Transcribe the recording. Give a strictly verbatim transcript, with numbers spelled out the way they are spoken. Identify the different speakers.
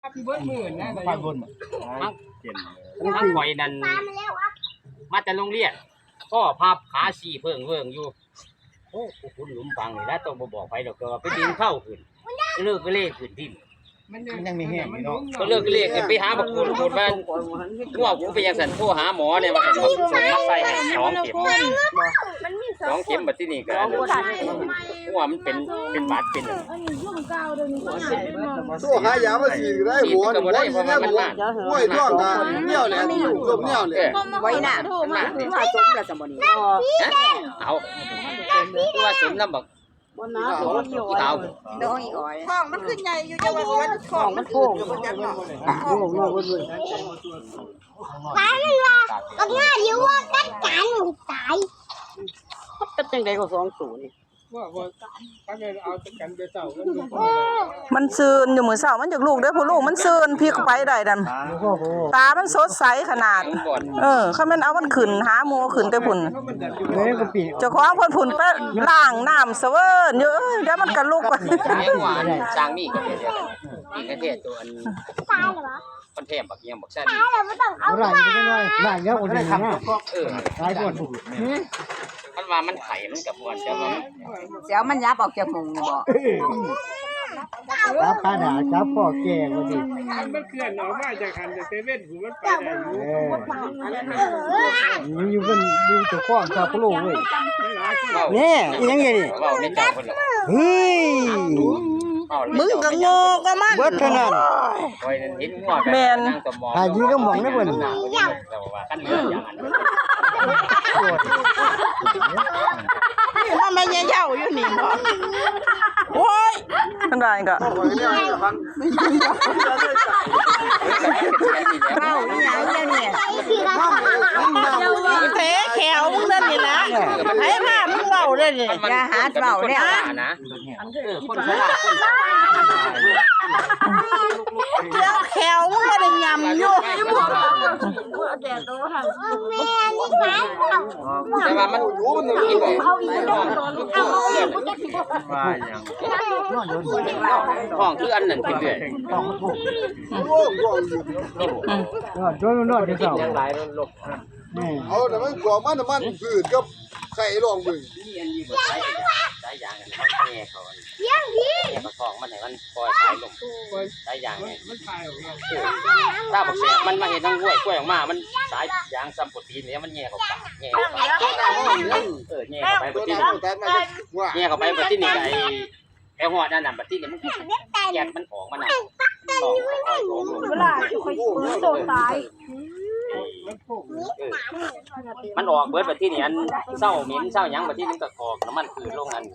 Speaker 1: เบิ้ลหมื่นนะ
Speaker 2: ปลาบนมักมักข่อยนั่นมาแต่โรงเรียนก็พับขาสี่เพิ่งเพิ่งอยู่โอ้คุณหลุมฟังนี่นะต้องบอกไปดอกก็ไปดินเข้าขึ้นเลิกก็เล่ขึ้นดิน
Speaker 1: มันยังมีแห้งเนาะ
Speaker 2: ก็เลิกก็เล่ขึ้นไปหาบักคุณคุณว่าง่วงกูไปยังสันโทรหาหมอเนี่ยว่าส่งมาใส่สองเข็มสองเข็มแบบที่นี่ก็ง่วงมันเป็นเป็นบาดเป็น
Speaker 3: ตัวหายามาฉีดได้หัวหัวนี่แม่หัวห้วยท่วงกันเนี่ยแหละลมเนี่ยแหละ
Speaker 4: ไว้น่ะมามาสมแล้วสมบูรณ์
Speaker 2: เอาคือว่าสมน้ำบัก
Speaker 4: วันน้าโดนอยู่
Speaker 2: เอา
Speaker 4: โดนอีกอ้อย
Speaker 5: ท้องมันขึ้นใหญ่อยู่จังหวัดมันท้องมันโป่งอยู่บนจังหวัดท้องโป่งเลย
Speaker 6: ตายเลยว่ะก็ง่ายอยู่ว่ากัดกันตาย
Speaker 4: ก็จังได๋ก็สองศูนย์
Speaker 1: ว่าว่าถ้าเกิดเอากันไปเจ้าก็ดู
Speaker 7: มันซืนอยู่มื้อเช้ามันจากลูกเด้อผู้ลูกมันซืนพลิกไปได้ดันตามันสดใสขนาดเออคันแม่นเอามันขึ้นหาหมู่ขึ้นแต่พุ่นเจ้าของเพิ่นพุ่นไปล้างน้ำเสเวิ้นอยู่เอ้ยเดี๋ยวมันก็ลุกไป
Speaker 2: แห้งหวานจางมีก็เดียวนี่ก็เทศตัวอัน
Speaker 6: ตายเหรอ
Speaker 2: คนเทมบักยังบักซ่า
Speaker 6: ตายแล้วบ่ต้องเอา
Speaker 1: ร่างจะน้อยร่างเยอะกว่านี้นะ
Speaker 2: เออ
Speaker 1: ตายบ่
Speaker 2: มันว่ามันไข่มันกับมวนแต่ว่า
Speaker 4: เสียวมันยับออกจากมุงบ่
Speaker 1: จับขาหนาจับพ่อแก่กว่าดิมันเคลื่อนออกมาจากหันจากเซเว่นหูมันไปได้อยู่อยู่กันอยู่ตัวข้องกับลูกเว้ยนี่ยังไงนี่
Speaker 2: เว้าในเจ้าเพิ่น
Speaker 1: เฮ้ย
Speaker 4: มึงก็โง่ก็มัน
Speaker 1: เบิดเท่านั้น
Speaker 2: โอ้ยเห็นงัวแม่นนั่งตะมอง
Speaker 1: หายิงก็มองได้เพิ่น
Speaker 2: แต่ว่าคันเหลืออย่างนั้น
Speaker 4: นี่มันไม่เหี่ยวอยู่นี่บ่โอ้ย
Speaker 7: ทันได้ก็
Speaker 4: เว้าอีหยังเดี๋ยวนี้เตะแขวมึงนั่นนี่นะให้มามึงเว้าได้นี่อย่าหาเว้าแล้ว
Speaker 2: นะคนฉลาดคน
Speaker 4: แล้วแขวมึงบ่ได้ยำอยู่
Speaker 2: แต่ว่ามันกินไปเอาอีกเอาว่าอย่างห้องคืออันนั้นเป็นเรื่อยห้องมันถูก
Speaker 1: โดนนอนที่เสา
Speaker 2: ยังหลายลบ
Speaker 3: เอาแต่มันกลัวมันมันพืชกับไข่รองมึง
Speaker 2: นี่อันนี้บ่ใช้ใช้ยางอันนั้นแง่เขาเลี้ยงพี่แง่ประคองมันให้มันปล่อยสายลมสายยางเนี่ยมันคายออกมาถ้าบอกเสียมันมาเห็นทั้งกล้วยกล้วยออกมามันสายยางซัมโปรตีนเนี่ยมันแง่เข้าปากแง่เข้าไปเออแง่เข้าไปบัดนี้แง่เข้าไปบัดนี้ไอ้ไอ้หอดนั่นน่ะบัดนี้มันแยกมันออกมาน่ะออกออกออกเวลาค่อยโดนตายมันออกเบิดบัดที่นี่อันเศร้าเหม็นเศร้าหยังบัดที่นึงก็ออกน้ำมันคือโรงงาน